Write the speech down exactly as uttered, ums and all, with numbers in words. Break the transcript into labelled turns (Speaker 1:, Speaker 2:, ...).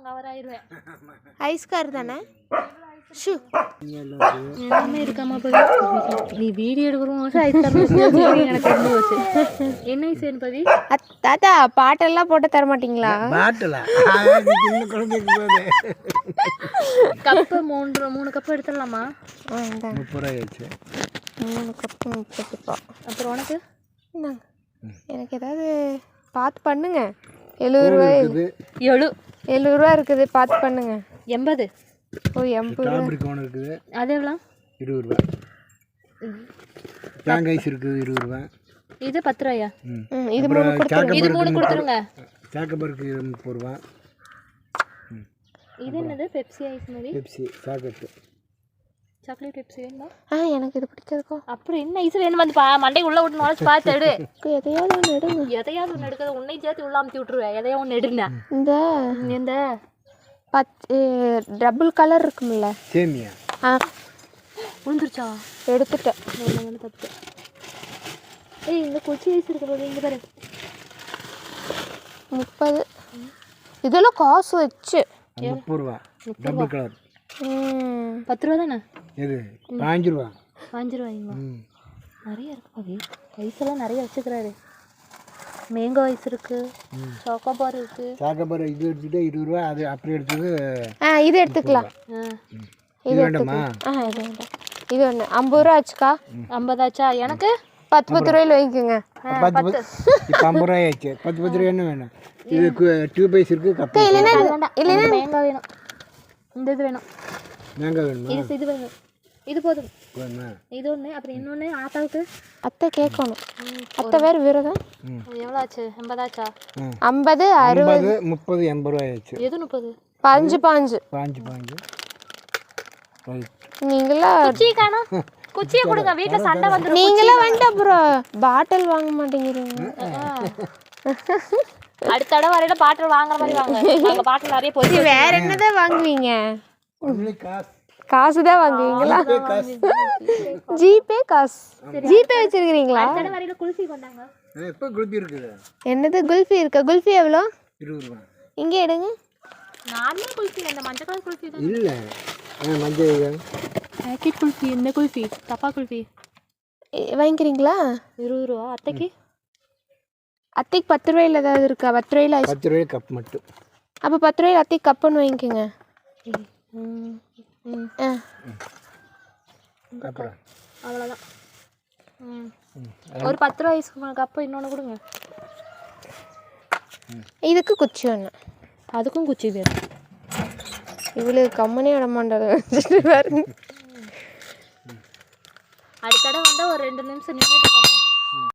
Speaker 1: Cover ஆயிருவேன்.
Speaker 2: Ice car தானே? Shoe
Speaker 1: எல்லாமே இருக்காமா பவி? நீ வீடியோ எடுக்கிறோம் ஐஸ் கார் எனக்கு தெரிஞ்சு போச்சு. என்ன ஐஸ் வேணும் பவி?
Speaker 2: தாத்தா பாட்டெல்லாம் போட்டு தர மாட்டீங்களா?
Speaker 3: பாட்டலா
Speaker 1: கப்பு மூன்று மூணு கப்பு எடுத்துடலாமா?
Speaker 3: முப்பது ரூபாய் ஆச்சு.
Speaker 2: மூணு கப்பு முப்பது ரூபா.
Speaker 1: அப்புறம் உனக்கு
Speaker 2: இந்தாங்க. எனக்கு ஏதாவது பார்த்து பண்ணுங்க. எழுபது ரூபாய்
Speaker 1: எழு
Speaker 2: எழுபது ரூபா இருக்குது, பார்த்து பண்ணுங்க.
Speaker 1: எண்பது.
Speaker 2: ஓ எண்பது ரூபா
Speaker 3: இருக்குது.
Speaker 1: அது எவ்வளோ?
Speaker 3: இருபது ரூபா. தேங்காய் ஐஸ் இருக்குது இருபது ரூபா.
Speaker 1: இது பத்து ரூபாயா?
Speaker 2: ம் இது மூணு கொடுத்துருங்க.
Speaker 1: இது மூணு கொடுத்துருங்க.
Speaker 3: சாக்கபருக்கு முப்பது ரூபா.
Speaker 1: இது என்னது? பெப்சி ஐஸ் மாதிரி.
Speaker 3: Pepsi chocolate.
Speaker 1: சாக்லேட் பெப்சி வேணுமா?
Speaker 2: ஆ எனக்கு இது பிடிச்சதுக்கோ.
Speaker 1: அப்புறம் என்ன ஐஸ் வேணும்? வந்து பா மண்டை உள்ள விட்டு நுழைச்சு பார்த்து எடு.
Speaker 2: எதையாவது ஒன்று எடுங்க.
Speaker 1: எதையாவது ஒன்று எடுக்கிறது உன்னை சேர்த்து உள்ள அமுத்தி விட்டுருவேன். எதையா ஒன்று எடுங்க.
Speaker 2: இந்த
Speaker 1: இந்த
Speaker 2: பச்சை டபுள் கலர் இருக்கும்ல
Speaker 3: சேமியா.
Speaker 2: ஆ
Speaker 1: விழுந்துருச்சா?
Speaker 2: எடுத்துட்டேன்.
Speaker 1: ஒன்று தப்பு. ஏய் இந்த கொச்சி ஐஸ் இருக்கு போது இங்கே பாரு.
Speaker 2: முப்பது. இதெல்லாம் காசு வச்சு
Speaker 3: முப்பது ரூபா. Double colour.
Speaker 2: ம்
Speaker 1: பத்து ரூபா தானே?
Speaker 3: எது? பாஞ்சு ரூபா.
Speaker 1: பாஞ்சு ரூபாய்ங்களா? நிறைய இருக்கு பாவி. ஐஸ் எல்லாம் நிறைய வச்சுக்கிறாரு. மேங்கோ ஐஸ் இருக்கு, சாக்கோபார் இருக்கு.
Speaker 3: சாக்கோபார் இது எடுத்துட்டு இருபது ரூபா. அது அப்படி எடுத்தது.
Speaker 2: ஆ இது எடுத்துக்கலாம்.
Speaker 3: இது வேண்டாமா?
Speaker 2: ஆ இது வேண்டாம். இது ஒன்று ஐம்பது ரூபா ஆச்சுக்கா.
Speaker 1: ஐம்பதாச்சா? எனக்கு
Speaker 2: பத்து பத்து ரூபாயில் வாங்கிக்கோங்க.
Speaker 3: பத்து பத்து இப்போ ஐம்பது ரூபாய் ஆச்சு. பத்து பத்து ரூபா என்ன வேணும்? இது டியூப் ஐஸ் இருக்கு. கப்பு
Speaker 2: இல்லைன்னா
Speaker 1: இல்லைன்னா மேங்கோ வேணும். இந்த இது வேணும்.
Speaker 3: மேங்கோ வேணுமா?
Speaker 1: இது இது வேணும். இது போதும்.
Speaker 3: வேணுமா?
Speaker 1: இது ஒன்று. அப்புறம் இன்னொன்று ஆத்தாவுக்கு
Speaker 2: அத்தை கேட்கணும். அத்தை வேறு விரதம்.
Speaker 1: எவ்வளோ ஆச்சு? எண்பதாச்சா?
Speaker 2: ஐம்பது அறுபது
Speaker 3: முப்பது எண்பது ரூபாய் ஆச்சு.
Speaker 1: எது முப்பது?
Speaker 2: பாஞ்சு பாஞ்சு
Speaker 3: பாஞ்சு பாஞ்சு.
Speaker 2: நீங்களா
Speaker 1: குச்சி காணோம். குச்சியை கொடுங்க. வீட்டில் சண்டை வந்துடும்.
Speaker 2: நீங்களா வந்துட்டு அப்புறம் பாட்டில் வாங்க மாட்டேங்கிறீங்க.
Speaker 1: அடுத்த தடவை வரையில பாட்டில் வாங்குற மாதிரி வாங்க. நாங்க பாட்டில் நிறைய போச்சு.
Speaker 2: வேற என்னதான் வாங்குவீங்க?
Speaker 3: காசு
Speaker 2: காசு தான் வாங்குவீங்களா? ஜிபே காசு. ஜிபே வச்சிருக்கீங்களா?
Speaker 1: அடுத்த தடவை வரையில குல்ஃபி கொண்டாங்க.
Speaker 3: இப்போ குல்ஃபி இருக்குது.
Speaker 2: என்னது குல்ஃபி இருக்கா? குல்ஃபி எவ்வளோ?
Speaker 3: இருபது ரூபா.
Speaker 2: இங்கே எடுங்க.
Speaker 1: நார்மல் குல்ஃபி. அந்த மஞ்சள் கலர் குல்ஃபி தான்.
Speaker 3: இல்லை மஞ்சள்
Speaker 1: பேக்கெட் குல்ஃபி. இந்த குல்ஃபி தப்பா குல்ஃபி
Speaker 2: வாங்கிக்கிறீங்களா?
Speaker 1: இருபது ரூபா. அத்தைக்கு
Speaker 2: அத்தைக்கு பத்து ரூபாயில் ஏதாவது இருக்கா? பத்து ரூபாயில் ஐஸ்.
Speaker 3: பத்து ரூபாய் கப் மட்டும்.
Speaker 2: அப்போ பத்து ரூபாயில் அத்தைக்கு கப்புன்னு வாங்கிக்கோங்க. ஆ
Speaker 3: அப்புறம்
Speaker 1: அவ்வளோதான். ஒரு பத்து ரூபா ஐஸ் கப்பு இன்னொன்று கொடுங்க.
Speaker 2: இதுக்கு குச்சி ஒன்று.
Speaker 1: அதுக்கும் குச்சி வேணும்.
Speaker 2: இவ்வளவு கம்மனே விட மாட்டாரு. அடுத்த
Speaker 1: தடவை வந்தால் ஒரு ரெண்டு நிமிஷம் நின்றுட்டு